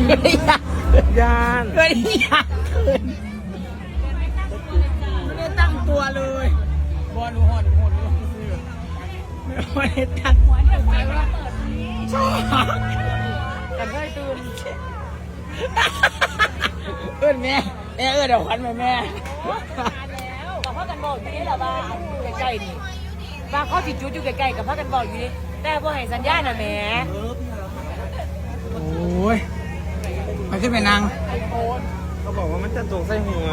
ยานเกิดอยากขึ้นไม่ได้ตั้งตัวเลยบอลหัวหัวไม่ได้ตั้งหัวเนี่ยไฟว่าเปิดชอบกันเคยตื่นเอื้อนแม่เอื้อนเดี๋ยวควันแม่แล้วกับพ่อกันบอกอยู่นี่แหละว่าใกล้ๆนี่ว่าเขาติดจุดอยู่ใกล้ๆกับพ่อกันบอกอยู่นี่แต่พอให้สัญญาณน่ะแม่โอ้ยไปขึ้นไปนั่งเขาบอกว่ามันจะตกใส่หัว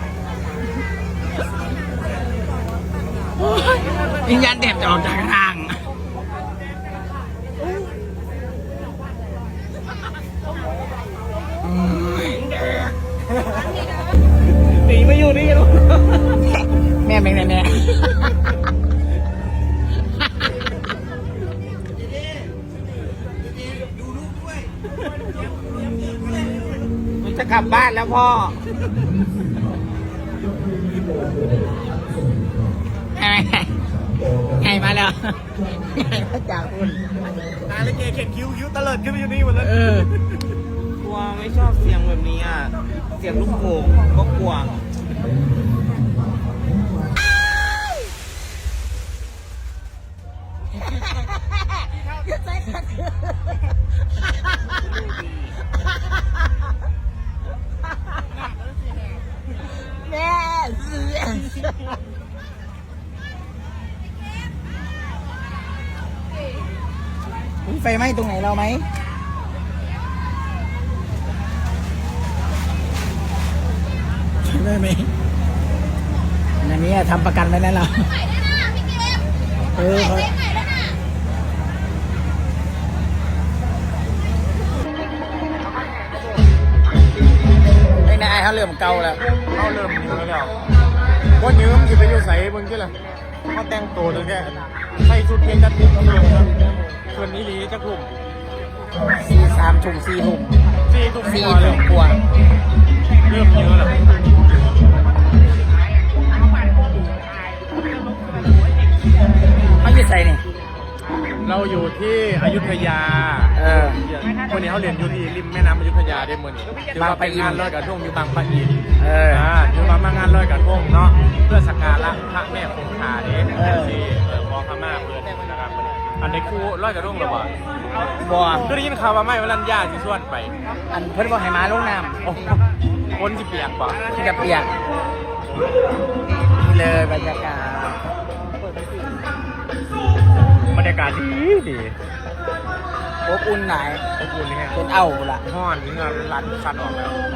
วิญญาณเด็บจะออกจากทางหนีไม่อยู่นี่กันแม่แม่แม่มันจะกลับบ้านแล้วพ่อไงมาแล้วไงมาจากคุณตายแล้วเกเข็นคิ้วตะเลิดขึ้นไปอยู่นี่หมดเลยกลัวไม่ชอบเสียงแบบนี้อ่ะเสียงลูกโป่งก็กลัวแม่ไฟไหม้ตรงไหนเราไหมได้ไหมอันนี้ทำประกันไว้แล้วเราไอ้นายเขาเริ่มเก่าแล้วเขาเริ่มยืมแล้วว่ายืมจะไปอยู่ใส่เบิ่งที่ละเขาแต่งตัวเลยแค่ใส่ชุดเพลงกระตุ้นเมืองครับส่วนนี้ลีจะกลุ่ม 3 ทุ่ม 4 ทุ่ม 4 ทุ่มเริ่มกลัวเริ่มเยอะแล้วเขาอยู่ใส่เนี่ยเราอยู่ที่อยุธยาวันนี้เขาเรียนอยู่ที่ริมแม่น้ำอยุธยาได้เมื่อนี้ถือว่าเป็นงานลอยกระทงอยู่บางปะอินถือว่ามางานลอยกระทงเนาะเพื่อสักการะพระแม่คงคาเด้ที่มอพม่าเพื่อนนะครับอันนี้ครูลอยกระทงหรือเปล่าบัวก็ได้ยินข่าวว่าไม่วรัญญาที่ส่วนไปอันเพิ่นบอกให้มาลงน้ำคนที่เปียกป่ะที่จะเปียกนี่เลยบรรยากาศดีอบอุ่นไหนอบอุ่นนี่ฮะเป็นเอาละห้อนเงินรันสันออกแล้ว